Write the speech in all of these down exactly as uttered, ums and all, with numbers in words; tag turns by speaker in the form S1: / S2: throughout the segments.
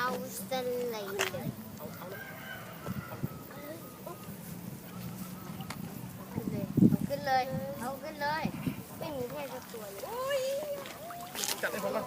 S1: เอาสไลเดอร์ขึ้นเลยเอาขึ้นเลยไม่มีแค่ตัวเลยจับให้ผมก่อน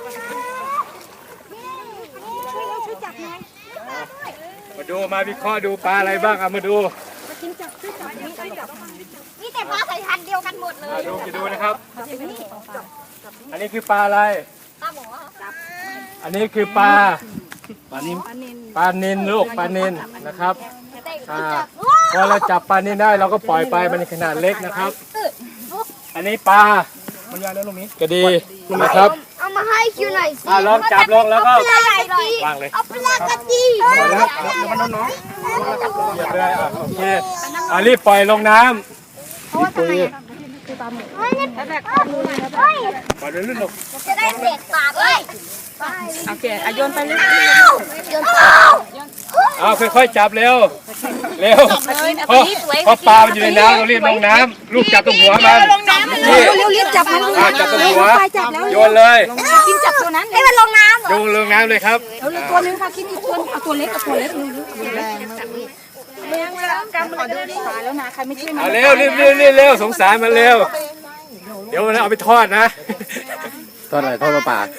S1: ช่วยเราช่วยจับหน่อย
S2: มาดูมาวิเคราะห์ดูปลาอะไรบ้างเอามาดู
S1: มากินจับช่วยจับช่วยจับนี่แต่ปลาสายพันธุ์เดียวกันหมดเลย
S2: ดูจะดูนะครับอันนี้คือปลาอะไร
S1: ปลาหมอจับ
S2: อันนี้คือปลาปลานินปลานินลูกปลานินนะครับพอเราจับปลานินได้เราก็ปล่อยไปมันขนาดเล็กนะครับอันนี้ปลามันยาวแล้วลูกนี้กระดีนะครับ
S1: เอามาให้คิวหน่อยสิ
S2: ลองจับลงแล้วก็วางเลย
S1: เอาปลากระดี
S2: พอแล้วมันน้องๆเหยียบเลยอ่ะโอเคอ่ะรีบปล่อยลงน้ำ
S1: เพราะว่าทำไมคือปลาหมูเฮ้ยนี่ปลาหมูเฮ้ย
S2: ปล่อยลื่นๆลูก
S1: จะได้เศษปลาเลย
S3: โอเคอ่ะโยนไปเลย
S1: โยนปลา
S2: เอาค่อยๆจับเร็วเร็วเพราะเพราะปลามันอยู่ในน้ำเรารีบลงน้ำลูกจับตรงหัวมัน
S3: เร็วๆรีบจับมัน
S2: จับตรงหัวโยนเลย
S3: กินจับตัวนั้น
S1: ให้มันลงน้ำ
S2: โยนลงน้ำเลยครับ
S3: เอาตัวนึงค่ะกินอีกตัวเอาตัวเล็กกับตัวเล็กนึงเลี้ยงแล้วกำลังเดินขาแล้วนะใครไม่ช่วยมัน
S2: เร็วรีบรีบรีบเร็วสงสารมันเร็วเดี๋ยวเอาไปทอดนะ
S4: ทอดอะไรทอดปลาปลา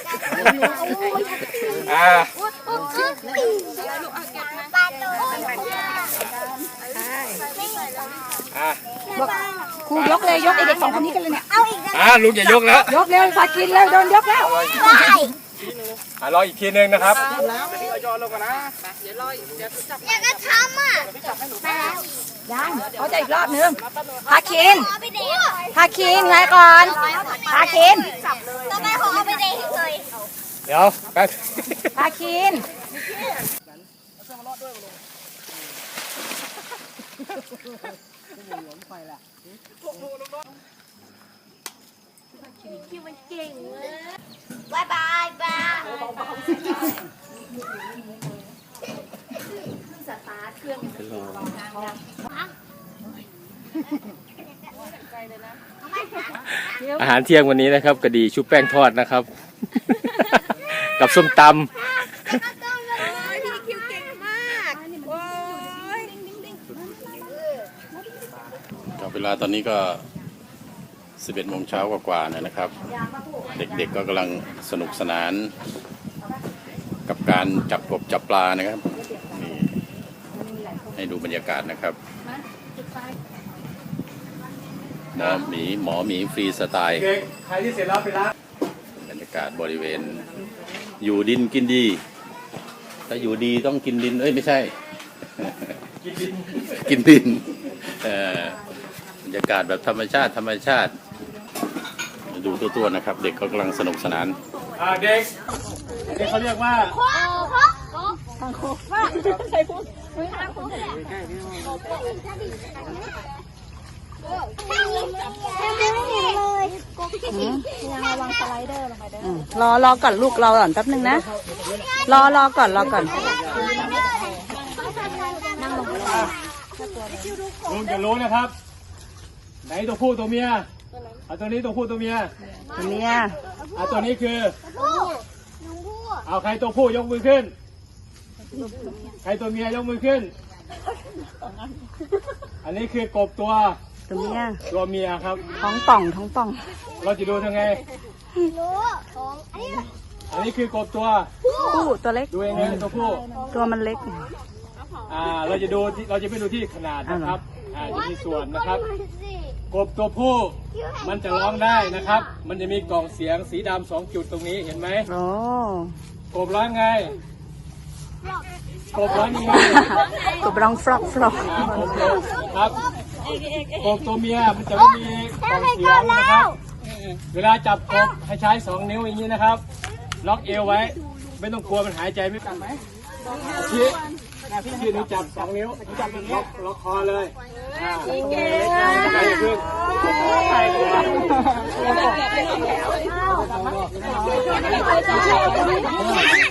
S2: อ่า
S3: ครูยกเลยยกไอเด็กสองคนนี้กันเลยเนี่ย
S1: เอาอีก
S2: อ่าลุงอย่ายกแล้ว
S3: ยกเร็วพากินแล้วโดนยกแล้ว
S2: อ่ารออีกทีนึงนะครับ
S1: อยากจะทำอ่ะ
S3: ยังเขาจะอีกรอบนึงพาคินพาคินไงก่อนพาคิน
S1: ต่อไปขอเอาไปเด็กเลย
S2: เดี๋ยวแป๊บ
S3: พาคิน
S1: คิวมันเก่งเลยบายบายบายสตาร์ทเครื่อง
S2: อาหารเที่ยงวันนี้นะครับกระดีชุบแป้งทอดนะครับกับส้มตำ
S4: เวลาตอนนี้ก็สิบเอ็ดโมงเช้ากว่าๆนะครับ เด็กๆก็กำลังสนุกสนานกับการจับกบจับปลานะครับนี่ให้ดูบรรยากาศนะครับหมอหมีหมอหมีฟรีสไตล์
S2: ใครที่เสร็จแล้วไปล้าง
S4: บรรยากาศบริเวณอยู่ดินกินดีถ้าอยู่ดีต้องกินดินเอ้ยไม่ใช่
S2: กินดิน
S4: กินดินบรรยากาศแบบธรรมชาติธรรมชาติดูตัวๆนะครับเด็กก็กำลังสนุกสนาน
S2: เด็กนี่เขาเรียกว่า
S3: ทางโค้งว่าใส่พุ่งทางโค้งรอรอก่อนลูกรอก่อนแป๊บนึงนะรอรอก่อนรอก่อน
S2: ลุงจะรู้นะครับไหนตัวผู้ตัวเมียเอาตัวนี้ตัวผู้ตัวเมีย
S3: ตัวเมีย
S2: เอาตัวนี้คือเอาใครตัวผู้ยกมือขึ้นใครตัวเมียยกมือขึ้นอันนี้คือกบตัว
S3: ตัวเมีย
S2: ตัวเมียครับ
S3: ท้องป่องท้องป่อง
S2: เราจะดูยังไงอันนี้คือกบตัว
S3: ผู้ตัวเล็ก
S2: ดูยังไงตัวผู้
S3: ตัวมันเล็ก
S2: อ่าเราจะดูเราจะไม่ดูที่ขนาดนะครับอ่าจะมีส่วนนะครับกบตัวผู้มันจะร้องได้นะครับมันจะมีกล่องเสียงสีดำสองจุดตรงนี้เห็นไหม
S3: โอ้
S2: กบร้องไงกบร้องยังไง
S3: กบร้องฟลอกฟลอก
S2: ครับกบตัวเมียมันจะไม่มีกล่องเสียงนะครับเวลาจับกบให้ใช้สองนิ้วอย่างนี้นะครับล็อกเอวไว้ไม่ต้องกลัวมันหายใจไม่กันไหมพี่พี่หนูจับสองนิ้วจับอย่างนี้ล็อกคอเลยอ่าใจขึ้น
S1: ไม่